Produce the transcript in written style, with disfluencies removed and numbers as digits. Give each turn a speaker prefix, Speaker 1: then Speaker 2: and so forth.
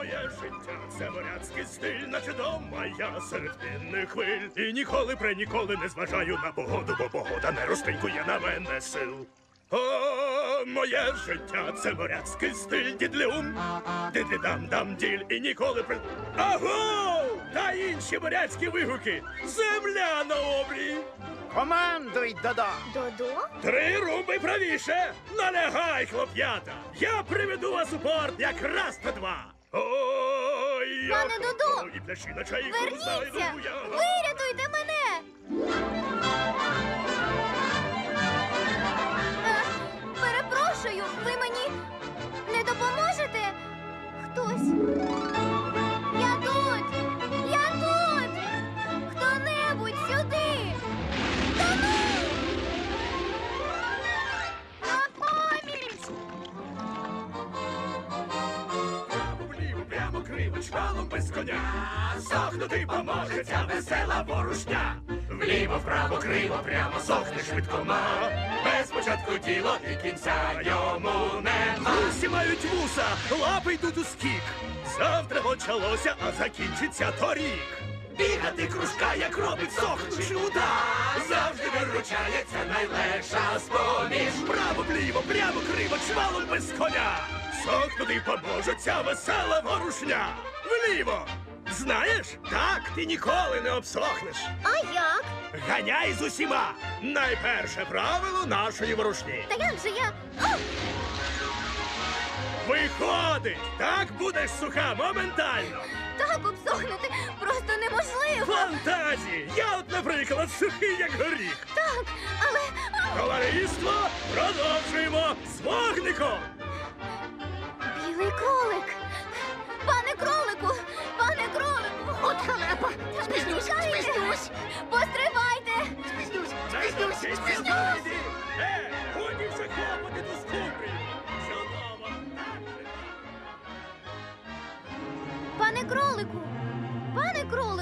Speaker 1: Моє життя – це моряцький стиль, наче дома я серед пінних хвиль. І ніколи ніколи не зважаю на погоду, бо погода не розтинькує на мене сил. О, моє життя – це моряцький стиль, дідлюм, дидлі-дам-дам-діль, і ніколи Аго! Та інші моряцькі вигуки! Земля на обрії!
Speaker 2: Командуй, Додо!
Speaker 3: Додо?
Speaker 1: 3 руби правіше! Налягай, хлоп'ята! Я приведу вас у порт якраз на 2! Ой,
Speaker 3: Пане Додо!
Speaker 1: І пляші на чайку
Speaker 3: Верніться!
Speaker 1: знайду я!
Speaker 3: Вирятуйте мене! Перепрошую, ви мені не допоможете? Хтось? Я тут! Я тут! Хто-небудь сюди! Тону! На поміч!
Speaker 1: Вліво, прямо криво, чвалом без коня. Сохнути поможе ця весела ворушня. Вліво, вправо, криво, прямо сохне швидкома. Без початку діло і кінця йому нема. Усі мають вуса, лапи йдуть у скік. Завтра почалося, а закінчиться торік. Бігати кружка, як робить сохнучий удар. Завжди виручається найлегша з-поміж. Право, вліво, прямо, криво, чвалом без коня. Сохнути поможе ця весела ворушня. Вліво! Знаєш, так ти ніколи не обсохнеш.
Speaker 3: А як?
Speaker 1: Ганяй з усіма! Найперше правило нашої ворушні.
Speaker 3: Та як же я? О!
Speaker 1: Виходить! Так будеш суха моментально.
Speaker 3: Так обсохнути просто неможливо.
Speaker 1: Фантазії! Я от, наприклад, сухий, як горіх.
Speaker 3: Так, але...
Speaker 1: Товариство, продовжуємо з вогником!
Speaker 3: Білий кролик! Пане кролику! Пане кролику!
Speaker 2: От халепа! Спізнюсь,
Speaker 3: Чекайте!
Speaker 2: спізнюсь!
Speaker 3: Постривайте!
Speaker 1: Спізнюсь! Годі вже хлопоти до скупи! Чудово!
Speaker 3: Пане кролику! Пане кролику!